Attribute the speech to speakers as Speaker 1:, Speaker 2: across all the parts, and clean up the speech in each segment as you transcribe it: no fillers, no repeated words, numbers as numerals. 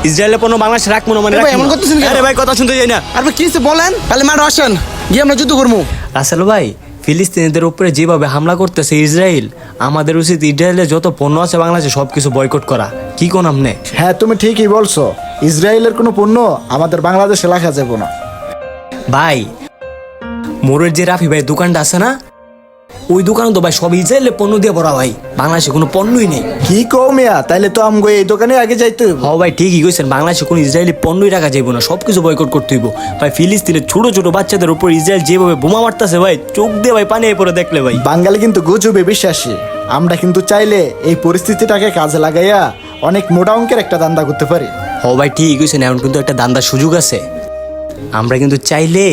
Speaker 1: ইসরায়েলের পণ্য বাংলাদেশে রাখবো না মানে
Speaker 2: ভাই, এমন করতেছেন কেন?
Speaker 1: আরে ভাই কথা শুনতে যাই না।
Speaker 2: আর ভাই কি হইছে বলেন, তাহলে মাঠে আসেন, গিয়ে আমরা যুদ্ধ করবো।
Speaker 1: রাসেল ভাই, ফিলিস্তিনিদের উপরে যেভাবে হামলা করতেছে ইসরায়েল, আমাদের উচিত ইসরায়েলের যত পণ্য আছে বাংলাদেশে সবকিছু বয়কট করা। কি কোন আপনি?
Speaker 3: হ্যাঁ, তুমি ঠিকই বলছো। ইসরায়েলের কোনো পণ্য আমাদের বাংলাদেশে রাখা যাবে না।
Speaker 1: ভাই, মোরের যে রাফি ভাই দোকানটা আছে না, ওই দোকানে তো ভাই সব ইসরায়েলের পণ্য দিয়ে ভরা ভাই, বাংলাদেশে কোনো পণ্যই নেই।
Speaker 3: কি কও মিয়া, তাইলে তো আমগো এই দোকানে আগে যাইতে হইব।
Speaker 1: হ ভাই, ঠিকই কইছেন, বাংলাদেশে কোনো ইসরায়েলি পণ্যই রাখা যাইব না, সবকিছু বয়কট করতে হইব ভাই। ফিলিস্তিনের ছোট ছোট বাচ্চাদের উপর ইসরায়েল যেভাবে বোমা মারতেছে ভাই, চোখ দিয়ে ভাই পানি পড়ে দেখলে ভাই।
Speaker 3: বাঙালি কিন্তু গুজবে বিশ্বাসী। আমরা কিন্তু চাইলে এই পরিস্থিতিটাকে কাজে লাগাইয়া অনেক মোটা অঙ্কের একটা দান্দা করতে পারি।
Speaker 1: হ ভাই, ঠিকই কইছেন, এখন কিন্তু একটা দান্দার সুযোগ আছে। আমরা কিন্তু চাইলে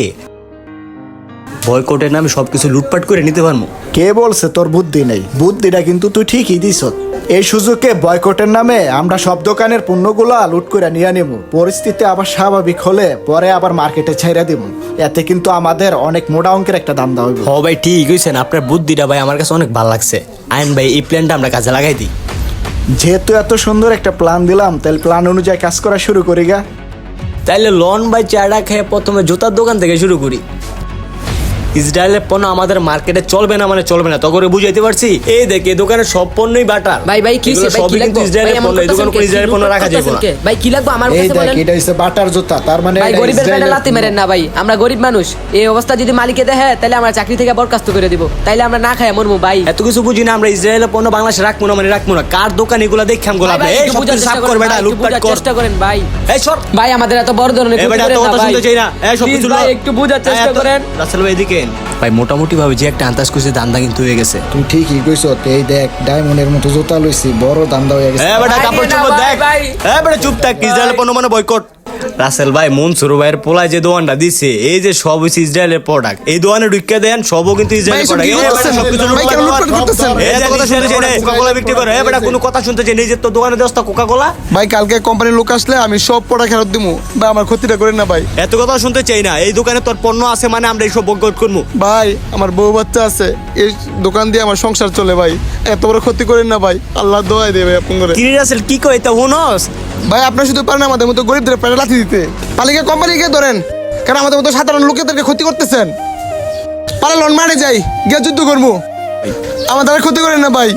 Speaker 1: বয়কটের নামে সবকিছু লুটপাট করে নিতে পারবো।
Speaker 3: কে বলছে তোর বুদ্ধি নেই? বুদ্ধিটা কিন্তু তুই ঠিকই দিছ। এই সুযোগে বয়কটের নামে আমরা সব দোকানের পণ্যগুলা লুট করে নিয়ে নেব। পরিস্থিতি আবার স্বাভাবিক হলে পরে আবার মার্কেটে ছাইরা দেব। এতে কিন্তু আমাদের অনেক মোটা অঙ্কের একটা দান্দা হইব।
Speaker 1: হ ভাই, ঠিক কইছেন, আপনার বুদ্ধিটা ভাই আমার কাছে অনেক ভালো লাগছে। আইন ভাই, এই প্ল্যানটা আমরা কাজে লাগাই দিই।
Speaker 3: যেহেতু এত সুন্দর একটা প্ল্যান দিলাম, তাহলে প্ল্যান অনুযায়ী কাজ করা শুরু করি গা।
Speaker 1: তাইলে লন ভাই চাটা খেয়ে প্রথমে জুতার দোকান থেকে শুরু করি। ইসরায়েলের পণ্য আমাদের মার্কেটে চলবে না মানে চলবে না, তখন বুঝাইতে পারছি। এই দেখ, এই দোকানের সব পণ্যই বাটার
Speaker 4: ভাই ভাই কি
Speaker 1: এগুলো
Speaker 4: ভাই
Speaker 1: সবই
Speaker 4: কি
Speaker 1: কিন্তু
Speaker 4: লাগবে
Speaker 1: ইসরায়েলের পণ্য, এই দোকানে কোনো ইসরায়েলের পণ্য রাখা যাবে না।
Speaker 4: ভাই কি লাগবে আমার
Speaker 3: এই
Speaker 4: কাছে
Speaker 3: দেখ,
Speaker 4: বলেন।
Speaker 3: এটা হচ্ছে বাটার জুতা, তার মানে
Speaker 4: ভাই
Speaker 3: এটা
Speaker 4: গরিবের পেটে
Speaker 3: ইসরায়েলের
Speaker 4: লাথি
Speaker 3: পণ্য।
Speaker 4: মেরেন না ভাই, আমরা গরিব মানুষ। এই অবস্থা যদি মালিকে দেখে তাহলে আমরা চাকরি থেকে বরখাস্ত করে দিব, তাইলে আমরা না খাই মরমু ভাই।
Speaker 1: এত কিছু বুঝি না আমরা, ইসরায়েলের পণ্য বাংলাদেশে রাখবো না মানে রাখবো না। কার দোকান এগুলো দেখাম গোলাপ
Speaker 4: ভাই,
Speaker 1: এই
Speaker 4: একটু
Speaker 1: সব
Speaker 4: বুঝার
Speaker 1: কিছু
Speaker 4: চেষ্টা
Speaker 1: সাফ
Speaker 4: করেন
Speaker 1: করবে না,
Speaker 4: ভাই, একটু
Speaker 1: লুটপাট
Speaker 4: বুঝার
Speaker 1: কর।
Speaker 4: চেষ্টা করেন ভাই।
Speaker 1: এই সর
Speaker 4: ভাই আমাদের এত বড় ধরনের
Speaker 1: এই বেটা, এত কথা শুনতে চাই না। এই সব কিছু
Speaker 4: ভাই একটু বুঝার চেষ্টা করেন।
Speaker 1: রাসেল ভাই এদিকে ভাই, মোটামুটি ভাবে যে একটা আন্দাজ করছে দান্দা কিন্তু হয়ে গেছে।
Speaker 3: তুই ঠিকই কইছ। এই দেখ, ডায়মন্ডের মতো জুতা লইছি, বড় দান্দা হয়ে গেছে।
Speaker 1: বেটা
Speaker 4: ভাই,
Speaker 1: কাপড়
Speaker 4: না,
Speaker 1: চোপড়
Speaker 4: ভাই,
Speaker 1: দেখ।
Speaker 4: ভাই।
Speaker 1: বেটা চুপ থাক, ইসরায়েলের পণ্য মানে বয়কট। রাসেল ভাই, মনসুর ভাইয়ের পোলায় যে দোকানটা দিছে, এই যে সব হচ্ছে ইসরায়েলের প্রোডাক্ট, এই দোকানে ঢুকে দেন সবও কিন্তু ইসরায়েলের
Speaker 2: ভাই, এসব
Speaker 1: প্রোডাক্ট।
Speaker 2: কি করতেছেন? ভাই, কেন লুটপাট করতেছেন?
Speaker 1: কথা শুনতে চাই না, কোকাকোলা বিক্রি করে। এই বেটা কোনো কথা শুনতে চাই না, এই যে তোর দোকানে দোস্তা কোকাকোলা।
Speaker 2: ভাই কালকে কোম্পানির লোক আসলে আমি সব প্রোডাক্ট ফেরত দিবো ভাই, আমার ক্ষতিটা করেন না ভাই।
Speaker 1: এত কথা শুনতে চাই না, এই দোকানে তোর পণ্য আছে মানে আমরা এইসব বয়কট করবো।
Speaker 2: ভাই আমার বউ বাচ্চা আছে, এই দোকান দিয়ে আমার সংসার চলে ভাই, এত বড় ক্ষতি করেন না ভাই, আল্লাহ দোয়াই দেবে আপন করে।
Speaker 1: কিরে রাসেল, কি কই তা হুনস?
Speaker 2: ভাই আপনার শুধু পারেন আমাদের মতো গরিবদের পেটে লাথি দিতে, পালিকে কোম্পানিকে ধরেন, কারণ আমাদের মতো সাধারণ লোকেদেরকে ক্ষতি করতেছেন। পারে লন মারে যাই, গিয়ে যুদ্ধ করবো, আমাদের আর ক্ষতি করেন না ভাই।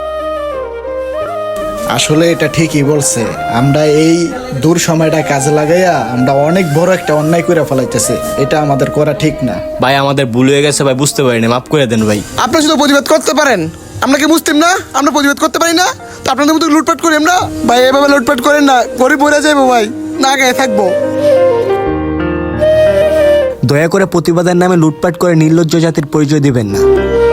Speaker 3: আসলে এটা ঠিকই বলছে। আমরা এই দূর সময়টা কাজে লাগাইয়া আমরা অনেক বড় একটা অন্যায় করে ফেলাইতেছি। এটা আমাদের করা ঠিক না।
Speaker 1: ভাই আমাদের ভুল হয়ে গেছে ভাই, বুঝতে পারিনি, মাফ করে দেন ভাই।
Speaker 2: আপনারা শুধু প্রতিবাদ করতে পারেন, আমরা কি মুসলিম না? আমরা প্রতিবাদ করতে পারি না? তো আপনাদের মতো লুটপাট করি আমরা ভাই, এভাবে লুটপাট করেন না, গরিব মরে যাবো ভাই, না গায়ে থাকবো।
Speaker 1: দয়া করে প্রতিবাদের নামে লুটপাট করে নির্লজ্জ জাতির পরিচয় দিবেন না।